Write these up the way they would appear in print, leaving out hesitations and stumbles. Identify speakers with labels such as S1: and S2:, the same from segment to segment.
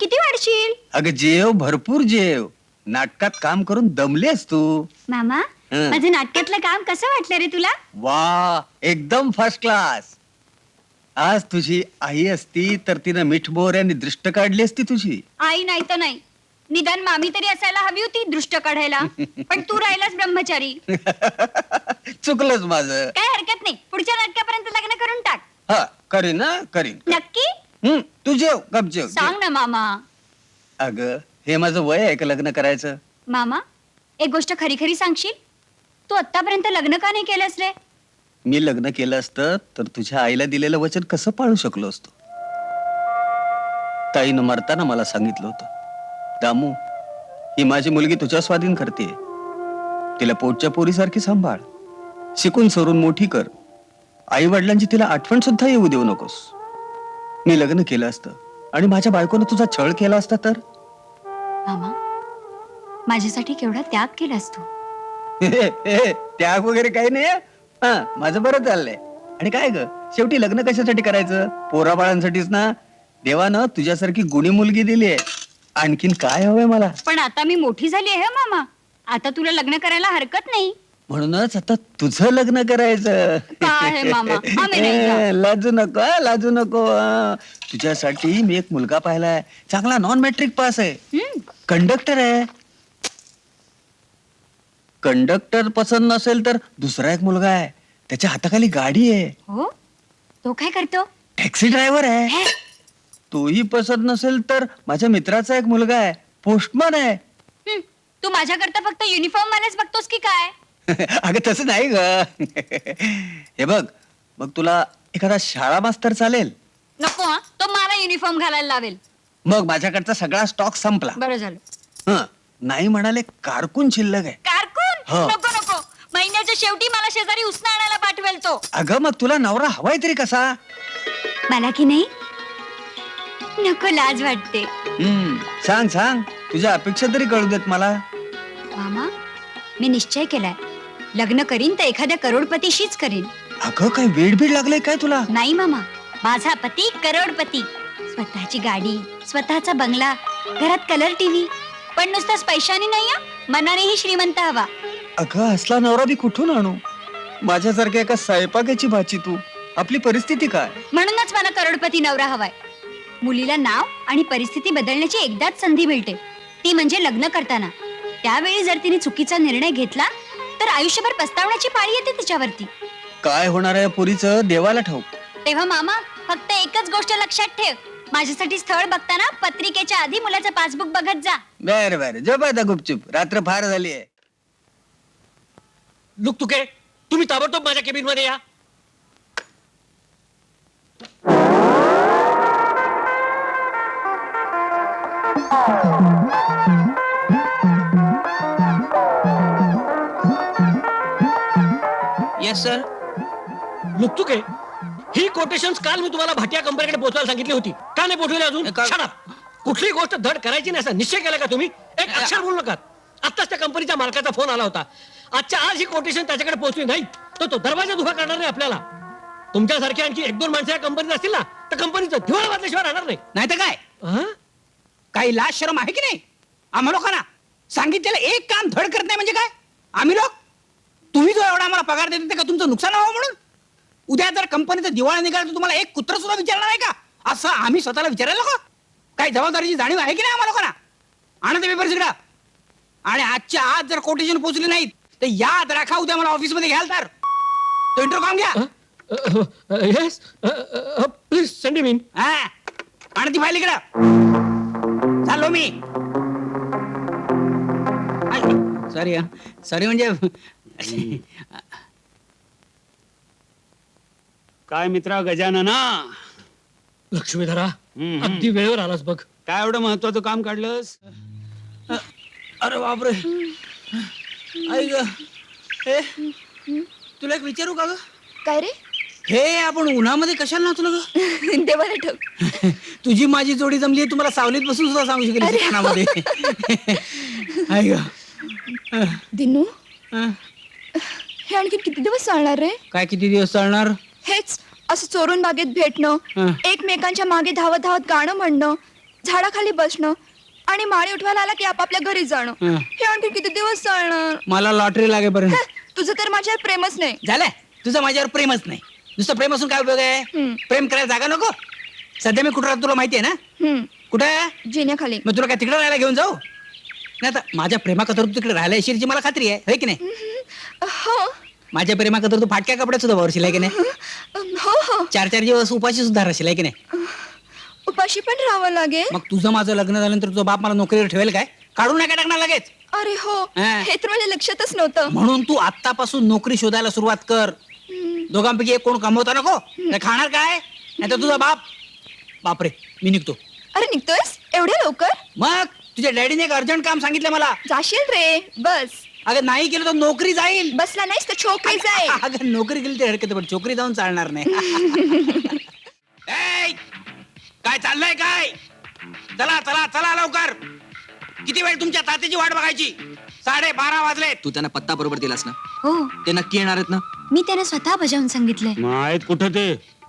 S1: किती वाढशील?
S2: अगं जेव, भरपूर जेव. नाटकात काम करून दमलेस तू.
S1: मामा
S2: हं.
S1: माझं नाटकातलं काम कसं वाटलं रे तुला?
S2: वा, एकदम फर्स्ट क्लास. आज तुझी आई असती तर तिनं मीठ मोहऱ्याने दृष्ट काढली असती तुझी.
S1: आई नाही तर नाही, निदान मामी तरी असायला हवी होती दृष्ट काढायला. पण तू राहिलास ब्रह्मचारी.
S2: चुकलंच माझं.
S1: काय हरकत नाही, पुढच्या नाटकापर्यंत लग्न करून टाक.
S2: हा, करीन ना, करीन.
S1: नक्की
S2: तू जेव, गप जेव.
S1: सांग ना मामा.
S2: अगं, हे माझं वय आहे का लग्न करायचं?
S1: मामा एक गोष्ट खरी खरी सांगशील, तू आतापर्यंत लग्न का नाही केलंस रे?
S2: मी लग्न केलं असतं तर तुझ्या आईला दिलेलं वचन कसं पाळू शकलो असतो? ताईनं मरताना मला सांगितलं होतं, दामू, ही माझी मुलगी तुझ्या स्वाधीन करते. तिला पोटच्या पोरीसारखी सांभाळ, शिकून सरून मोठी कर. आई वडिलांची तिला आठवण सुद्धा येऊ देऊ नकोस. मी लग्न केलं असतं आणि माझ्या बायकोनं तुझा छळ केला असता तर?
S1: मामा माझ्यासाठी केवढा त्याग केलास तू.
S2: त्याग वगैरे काही नाही. हा, माझं बरं चाललंय. आणि काय ग, शेवटी लग्न कशासाठी करायचं? पोराबाळांसाठीच ना. देवानं तुझ्यासारखी गुणी मुलगी दिली आहे. आणखीन काय हवंय मला?
S1: पण आता मी मोठी झाली आहे मामा, आता तुला लग्न करायला हरकत नाही.
S2: म्हणूनच आता तुझं लग्न करायचं.
S1: काय आहे मामा, आम्ही नाही का?
S2: लाजू नको, लाजू नको. तुझ्यासाठी मी एक मुलगा पाहिलाय, चांगला नॉन मॅट्रिक पास आहे, कंडक्टर आहे. कंडक्टर पसंत नसेल तर दुसरा एक मुलगा आहे, त्याच्या हाताखाली गाडी आहे,
S1: हो, तो काय करतो?
S2: टॅक्सी ड्रायव्हर आहे.
S1: हे?
S2: तोही पसंत नसेल तर माझ्या मित्राचा एक मुलगा आहे, पोस्टमन आहे.
S1: तू माझ्याकरता फक्त युनिफॉर्म वालेच बघतोस की काय?
S2: अगं तसं नाही ग. हे बघ, मग तुला एखादा शाळा मास्तर चालेल?
S1: नको हा, तो मला युनिफॉर्म घालायला लावेल.
S2: मग माझ्याकडचा सगळा स्टॉक संपला.
S1: बरं झालं.
S2: हं, नाही म्हणाले कारकून शिल्लक आहे.
S1: कारकून?
S2: हो.
S1: नको नको, महिन्याच्या शेवटी मला शेजारी उसना आणायला पाठवेल तो.
S2: अगं मग तुला नवरा हवाय तरी कसा?
S1: मला की नाही नको, लाज वाटते.
S2: सांग सांग, तुझ्या अपेक्षा तरी कळू देत मला.
S1: मामा मी निश्चय केलाय, लग्न करीन तर एखाद्या करोडपतीशीच करीन.
S2: अगं काय वेड बीड लागलंय काय तुला?
S1: नाही मामा, माझा पती करोडपती. स्वतःची गाडी, स्वतःचा बंगला, घरात कलर टीव्ही. पण नुसताच पैशाने नाही हा, मनानेही श्रीमंत हवा.
S2: अगं असला नवरा बी कुठून आणू? माझ्यासारख्या एका स्वयंपाकाची भाची तू. आपली परिस्थिती काय?
S1: म्हणूनच मला करोडपती नवरा हवाय. मुलीला नाव आणि परिस्थिती बदलण्याची एकदाच संधी मिळते, ती म्हणजे लग्न करताना. त्यावेळी जर तिने चुकीचा निर्णय घेतला तर आयुष्यभर पस्तावण्याची पाळी येते तिच्यावरती.
S2: काय होणार आहे पुरीचं देवाला ठाऊक.
S1: तेव्हा मामा फक्त एकच गोष्ट लक्षात ठेव, माझ्यासाठी स्थळ बघताना पत्रिकेच्या आधी मुलाचं पासबुक बघत जा.
S2: बर बर, झोप आता गुपचूप, रात्र फार झाली आहे.
S3: लुक तुके, तुम्ही ताबडतोब माझ्या केबिन मध्ये या.
S4: Yes sir.
S3: लुक तुके, ही कोटेशन्स काल मी तुम्हाला भाटिया कंपनीकडे पोहोचवायला सांगितली होती, का नाही पोहोचवली अजून? Shut up. कुठलीही गोष्ट धड करायची नाही असा निश्चय केला का तुम्ही? एक अक्षर बोलू नका. आत्ताच त्या कंपनीच्या मालकाचा फोन आला होता. आजच्या आज ही कोटेशन त्याच्याकडे पोहोचली नाही तर तो दरवाजा उभा करणार नाही आपल्याला. तुमच्यासारखी आणखी एक दोन माणसं या कंपनीत असतील ना तर कंपनीचं दिवाळ वाजल्याशिवाय राहणार नाही.
S4: नाही तर काय,
S3: हं?
S4: काही लाज शरम आहे की नाही आम्हा लोकांना? सांगितलेलं एक काम धड करत नाही म्हणजे काय? आम्ही लोक, तुम्ही जो एवढा आम्हाला पगार देते ते का तुमचं नुकसान व्हावं म्हणून? उद्या जर कंपनीचं दिवाळ निघालं तर तुम्हाला एक कुत्र सुद्धा विचारणार आहे का? असं आम्ही स्वतःला विचारायला नको? काही जबाबदारीची जाणीव आहे की नाही आम्हा लोकांना? आणा ते पेपर सगळं. आणि आजच्या आज जर कोटेशन पोहोचली नाहीत तर याद राखा, उद्या मला ऑफिसमध्ये घ्याल तर तो इंटरव्ह्यू घ्या.
S3: Yes, please send me.
S4: हा, आणि ती फाईल इकडं. चाललो मी. सॉरी सॉरी म्हणजे काय मित्रा गजानना,
S3: लक्ष्मीधरा, अगदी वेळेवर आलास बघ.
S4: काय एवढं महत्वाचं काम काढलंस? अरे बापरे, आई ग. हे तुला एक विचारू का ग?
S1: काय रे?
S4: हे आपण उन्हामध्ये कशाला नाचलो ग?
S1: देवाला ठेव.
S4: तुझी माझी जोडी जमली, तुम्हाला सावलीत बसून सुद्धा सांगू शकेल कानामध्ये. आई ग.
S5: दिनू,
S4: हं.
S5: हे आणखी किती दिवस चालणार रे?
S4: काय किती दिवस चालणार?
S5: हेच असं चोरून बागेत भेटणं,
S4: हं.
S5: एकमेकांच्या मागे धावत धावत गाणं म्हणणं, झाडाखाली बसणं आणि माळी उठवायला आला की आपापल्या घरी जाणं
S4: हं.
S5: हे आणखी किती दिवस चालणार
S4: मला लॉटरी लागेपर्यंत
S5: हं, तुझं तर माझ्यावर प्रेमच नाही.
S4: झालंय तुझं माझ्यावर प्रेमच नाही. नुसतं प्रेम असून काय उपयोग आहे?
S5: हं.
S4: प्रेम करायला जागा नको. सध्या मी कुठं राहतो तुला माहिती आहे ना?
S5: हं,
S4: कुठे आहे?
S5: जिन्याखाली.
S4: मग तुला काय तिकडे राहायला घेऊन जाऊ? नाही आता माझ्या प्रेमाकतर तू तिकडे राहायला येशील मला खात्री आहे की नाही?
S5: हो
S4: माझ्या प्रेमाकतर तू फाटक्या कपड्यात सुद्धा वावरशील आहे की नाही?
S5: हो हो
S4: 4-4 दिवस उपाशी सुद्धा राहशील आहे की नाही?
S5: उपाशी पण राहावं लागेल.
S4: मग तुझं माझं लग्न झाल्यानंतर तुझा बाप मला नोकरीवर ठेवेल काय? काढून नाही टाकणार लगेच.
S5: अरे हो
S4: हं.
S5: हे तर माझ्या लक्षातच नव्हतं.
S4: म्हणून तू आत्तापासून नोकरी शोधायला सुरुवात कर. दोघांपैकी एक कोण कमवता नको. नाही खाणार काय? नाही तर तुझा बाप. बापरे मी निघतो.
S5: अरे निघतोयस एवढ्या लवकर?
S4: मग तुझ्या डॅडीने एक अर्जंट काम सांगितलं मला.
S5: जाशील रे बस.
S4: अगं नाही केलं तर नोकरी जाईल.
S5: बसला नाहीस तर छोकरी जाईल.
S4: अगं नोकरी केली तर हरकत आहे, पण छोकरी जाऊन चालणार नाही. ए, काय चाललंय काय? चला चला चला लवकर. किती वेळ तुमच्या तात्याची वाट बघायची? 12:30 वाजले.
S6: तू त्यांना पत्ता बरोबर दिलास ना?
S1: हो
S6: ते नक्की येणार आहेत ना?
S1: मी त्यांना स्वतः बजावून सांगितलंय.
S3: माहित कुठं ते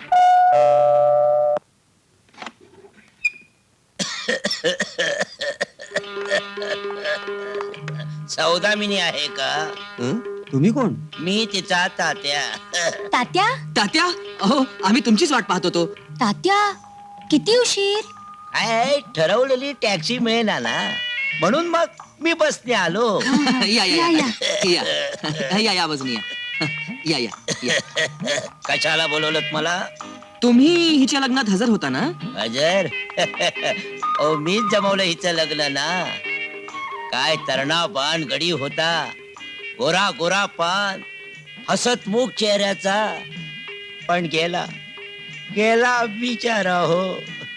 S7: सौदामिनी आहे का?
S2: हं? तुम्ही कोण?
S7: मी तिचा तात्या.
S1: तात्या
S6: तात्या अहो आम्ही तुमचीच वाट पाहत होतो.
S1: तात्या किती उशीर.
S7: काय ठरवलेली टॅक्सी मिळेना ना, म्हणून मग मी बसने आलो.
S6: या या या या या बाजूने या या या
S7: कशाला बोलवलं मला?
S6: तुम्ही हिच्या लग्नात हजर होता ना?
S7: अजर ओ मीच जमवलं हिचं लग्न ना. काय तरणा पान गडी होता, गोरा गोरा पान, हसतमुख चेहऱ्याचा, पण गेला गेला बिचारा हो.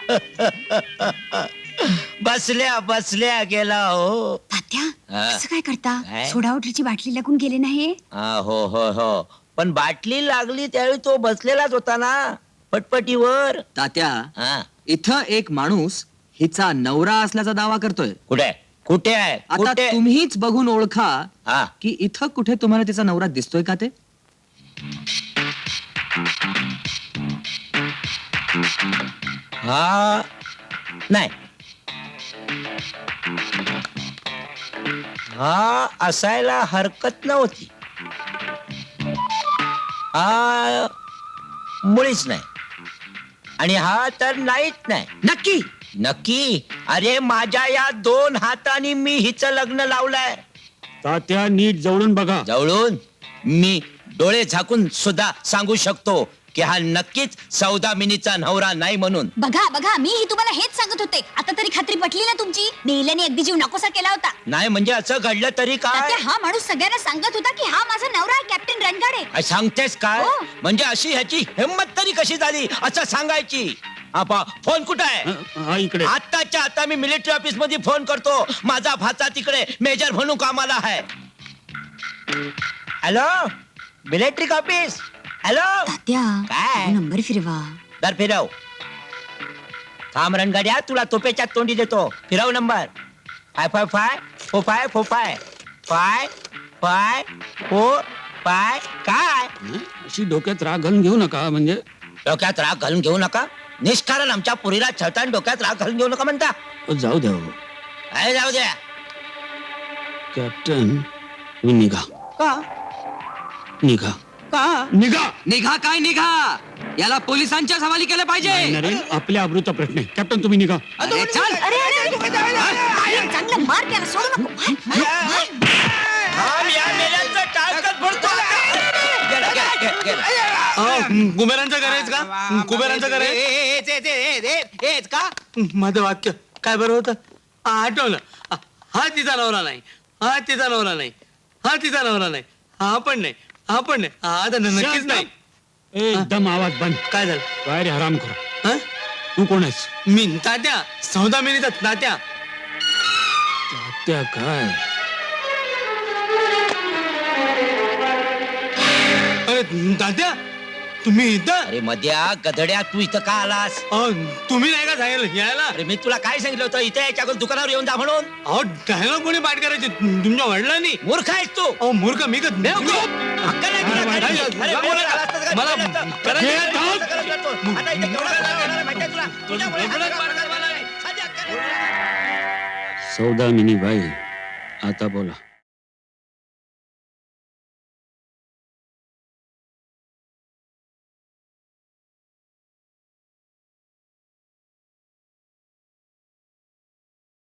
S7: बसल्या बसल्या गेला हो.
S1: तात्या
S7: हा.
S1: असं काय करता?
S7: काय?
S1: सोडा वॉटरची बाटली लागून गेले नाही.
S7: हो हो हो, पण बाटली लागली त्यावेळी तो बसलेलाच होता ना पटपटीवर.
S6: तात्या
S7: हा
S6: इथं एक माणूस हिचा नवरा असल्याचा दावा करतोय.
S7: कुठे कुठे आहे
S6: आता
S7: कुठे?
S6: तुम्हीच बघून ओळखा
S7: हा
S6: की इथं कुठे तुम्हाला तिचा नवरा दिसतोय का ते?
S7: हा नाही, हा असायला हरकत नव्हती. हा मुळीच नाही, आणि हा तर नाहीच नाही.
S6: नक्की
S7: नक्की. अरे माझ्या या 2 हातांनी मी हिचं लग्न लावलंय.
S3: तात्या नीट जवळून बघा.
S7: जवळून मी डोळे झाकून सुद्धा सांगू शकतो की हा नक्कीच सौदामिनीचा नवरा नाही म्हणून.
S1: बघा बघा मीही तुम्हाला हेच सांगत होते. आता तरी खात्री पटली ना तुमची? नेल्याने अगदी जीव नकोसा केला होता.
S7: नाही म्हणजे असं घडलं तरी काय?
S1: तात्या हा माणूस सगळ्यांना सांगत होता की हा माझा नवरा आहे कॅप्टन रणगाडे.
S7: काय सांगतेस काय?
S1: हो.
S7: म्हणजे अशी ह्याची हिंमत तरी कशी झाली असं सांगायची? आपा फोन कुठं आहे?
S3: हा इकडे.
S7: आताच्या आता मी मिलिटरी ऑफिस मध्ये फोन करतो. माझा भाचा तिकडे मेजर म्हणून कामाला आहे. Hello military office. हॅलो
S1: तात्या
S7: काय?
S1: नंबर फिरवा.
S7: दर फिरव. थांब रणगाड्या, तुला तोपेच्या तोंडी देतो. फिरव नंबर. 55545454545. काय
S3: अशी डोक्यात राग घालून घेऊ नका. म्हणजे
S7: डोक्यात राग घालून घेऊ नका? निष्कारण आमच्या पुरीला छळताना डोक्यात राग घालून घेऊ नका म्हणता?
S3: जाऊ द्या हो.
S7: काय जाऊ द्या?
S3: कॅप्टन तुम्ही निघा
S4: का?
S3: निघा
S4: का?
S3: निघा.
S6: निघा काय निघा? याला पोलिसांच्या हवाली केलं पाहिजे.
S3: नरेन आपल्या अमृता प्रश्न आहे. कॅप्टन तुम्ही निघा.
S6: अरे चल.
S1: अरे, चांगलं मार त्याला सोडू नको.
S7: थांब, या मेल्यांचं टाळकं फोडतो. गेला, गेला, गेला, गेला.
S8: कुबेरांचं करायचं का? कुबेरांचं करायचं
S4: हेच का?
S8: माझं वाक्य काय बरं होतं? आठवलं. हा तिचा नवरा नाही, हा तिचा नवरा नाही, हा तिचा नवरा नाही, हा पण नाही, हा पण नाही, हा तर नक्कीच नाही.
S3: एकदम आवाज बंद.
S8: काय झालं?
S3: काय रे हराम करा.
S8: हं?
S3: तू कोण आहेस?
S8: मी तात्या, सौदामिनीचा तात्या.
S3: तात्या काय?
S8: अरे तात्या तुम्ही इथं?
S7: अरे मध्या गधड्या, तू इथं का आलास?
S8: तुम्ही नाही का सांगितलं यायला?
S7: अरे मी तुला काय सांगितलं होतं इथे याच्या अगोदर दुकानावर येऊन जा म्हणून?
S8: अहो डायलॉग कोणी पाठ करायचे? तुमच्या वडिलांनी?
S7: मूर्ख आहेस तू.
S8: अहो मूर्ख मी का?
S7: बेवकूफ. हक्क नाही तुला करायची. अरे वेळ आला असता तर काय
S8: मला-
S7: केलं असतं?
S8: मला-
S7: करायचं असतं. आता इथे केवढा त्रास होणार आहे माहिती आहे तुला? तुझ्या मुळे हा सगळा प्रकार झाला आहे. साधी अक्कल नाही.
S3: सौदामिनी बाई आता बोला.